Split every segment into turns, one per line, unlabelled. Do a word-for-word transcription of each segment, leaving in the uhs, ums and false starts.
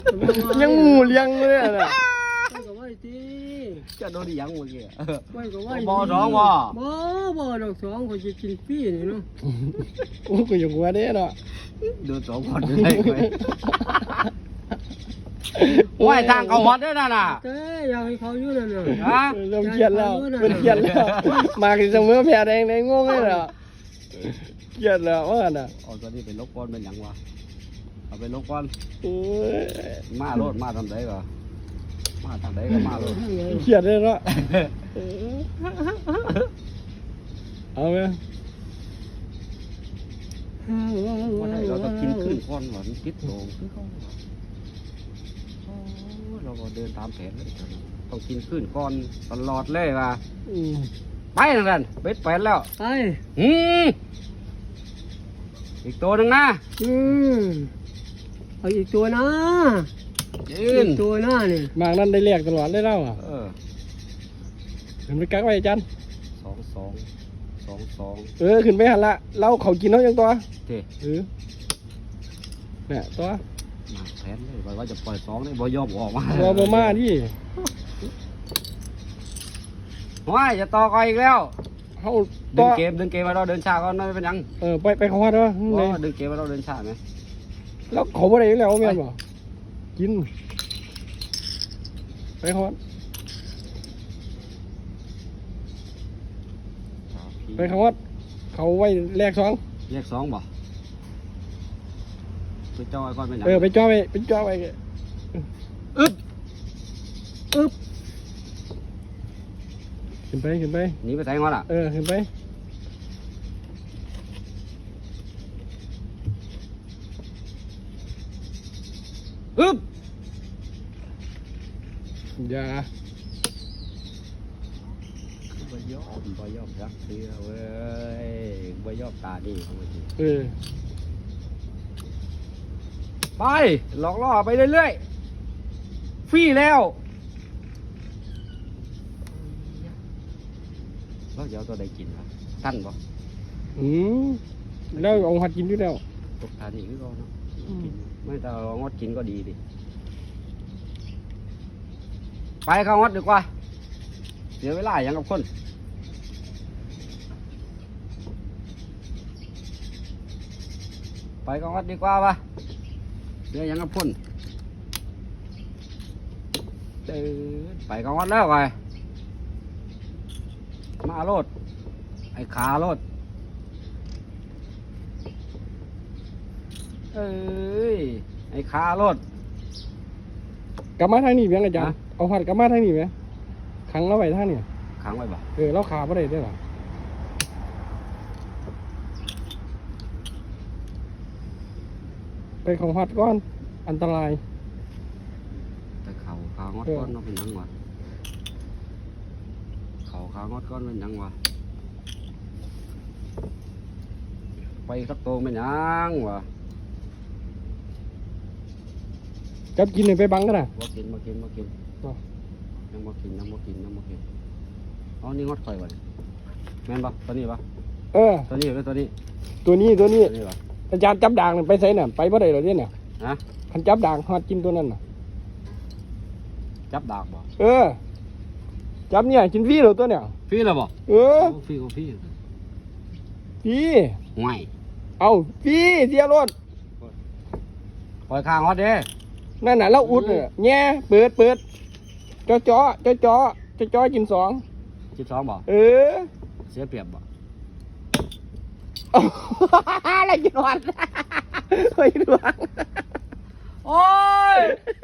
ยังหมูเลี้ยงเลยน่ะ
ไว้ก็ไว้สิ
จะโดนยังเมื่อกี้
ไว้ก็ไว้
บ่สองบ่
บ่บ่ดอกสองเขาจะกินฟรีนี่เนาะ
โอ้กูยังหัวเด้เนาะ
โดนสองคนเลยไหวทางเขาฮอตด้วยนะน่ะ
เต้อยากให้เขาอยู่นั่นน่ะ
ฮะ
เริ่มเครียดแล้วเป็นเครียดแล้วมากินเสมอแพ้แดงในงงเลยเหรอเครียดแล้วว่าน่ะ
เอาตัวนี้ไปลบก้อนเป็นหยังวะเอาไปลบก้อน
โอ้ย
มาโลดมาทำไรก็มาทำไรก็มาโลด
เครียดเลยเนาะเอาไหม
ว่าได้เราต้องกินขึ้นก้อนหวานคิดโตคือเขาเราก็เดินตามแผนเลยต้องกินขึ้นก้อนตลอดเลยว่ะ
อืม
ไปนั่นกันเบ็ดแปดแล้ว
ไป
อืมอีกตัวหนึ่งนะ
อืมเอาอีกตัวนะ
ยื
อี
น
กตัวนะนี่
มากนั่นได้เรียกตลอดเลยเล่าอ่ะ
เออ
ขึ้นไปกักไว้จัน
สองสองสองสอง
เออขึ้นไปหันละเราเขากินเขายังตัว
เจ๊
เออเนี่ยตัว
มาแผนเลยว่าจะปล่อยสองเลยบ่ยอมออกมา
ตัวบมาที่
ว้ายจะต่อก่อนอีกแล้ว
เขา
ดึ
ตั
ง
ว
เกมดึงเกมมาเราเดินช้าก่อนไม่เป็นหยัง
เออไปไปเขาว่าด้วย
อ๋
เล
อย ดึงเกมมาเราเดินช้าไหม
แล้วเขาบ่ได้อยู่แล้วแม่นบ่กินไปเขาว่าไปเขาว่าเขาไว้แลกสอง
เลขสองบ่ไปจ้อยก่อนเป็นหยัง
เออไปจ่อไปไปจ่อไป
อึด
อึ๊บ
ขึ้นไปขึ้นไป
หนีไปไหนมาล่ะ
เออขึ้นไป
อึบ
อย่า
บ่ยอมบ่ยอมรักเสือเว้ยบ่ยอมตาดีเขาเมื่อกี้
เออ
ไปหลอกล่อไปเรื่อยๆฟรีแล้วเราจะเอาตัวใดกินวะท่านบ่
อืมแล้วเอาหัดกินอยู่แล้ว
ตกทานอีกก็เนาะกินไม่แต่เรางดกินก็ดีดิไปเข้างดดีกว่าเสียเวลาอย่างกับคนไปเข้างดดีกว่าปะเสียอย่างกับคนเดินไปเข้างดแล้วไปมาโลดไอ้ขาโลดเอ้ยไอ้ขารถ
กลับมาทางนี้เพียงอาจารย์เอาหัดกลับมาทางนี้ไหมขังเราไว้ทางนี้
ขังไว้บ่
เออเราขาบ่ได้ได้หรอไปของหัดก้อนอันตราย
แต่เขาขางดก้อนเนาะเป็นหยังวะเขาขางดก้อนเป็นหยังวะไปสักโตเป็นหยังวะ
จับกินเลยไปบังกันนะ
บ่กินบ่กินบ่กิน
อ๋อ
ยังบ่กินยังบ่กินยังบ่กินอ๋อนี่งดข่อยวะนี่แม่นบ่ตัวนี้บ่
เออ
ตัวนี้หรือตัวนี้
ตัวนี้ตัวนี้
ตัวนี้บ่
อาจารย์จับด่างนั่นไปใส่น่ะไปบ่ได้หรอกเนี่ยน่ะ
ฮะ
คันจับด่างหัดกินตัวนั้นน่ะ
จับดากบ่
เออ จับเนี่ยกินฟรีเหรอตัวเนี่ย
ฟรีแล้วบ่
เออ
โฟรีก็ฟรี
ฟรี
ห่วย
เอาฟรีเสียรถ
ปล่อยข้างฮอดเด้
นั่นน่ะเราอุดเนี่ยแง่เปิดเปิดจ่อจ่อจ่อจ่อจ่อจ่อกินสอง
สิบสองบ่
เออ
เสียเปรียบบ่
อะไรกินวันเฮ้ยดวง
โอ้ย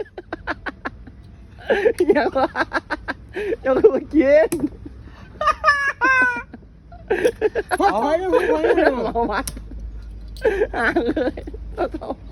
ยังวะยังคือมากิน
พักไปเลยพักไปเลย
เอามาห่างเลยเอาเท่า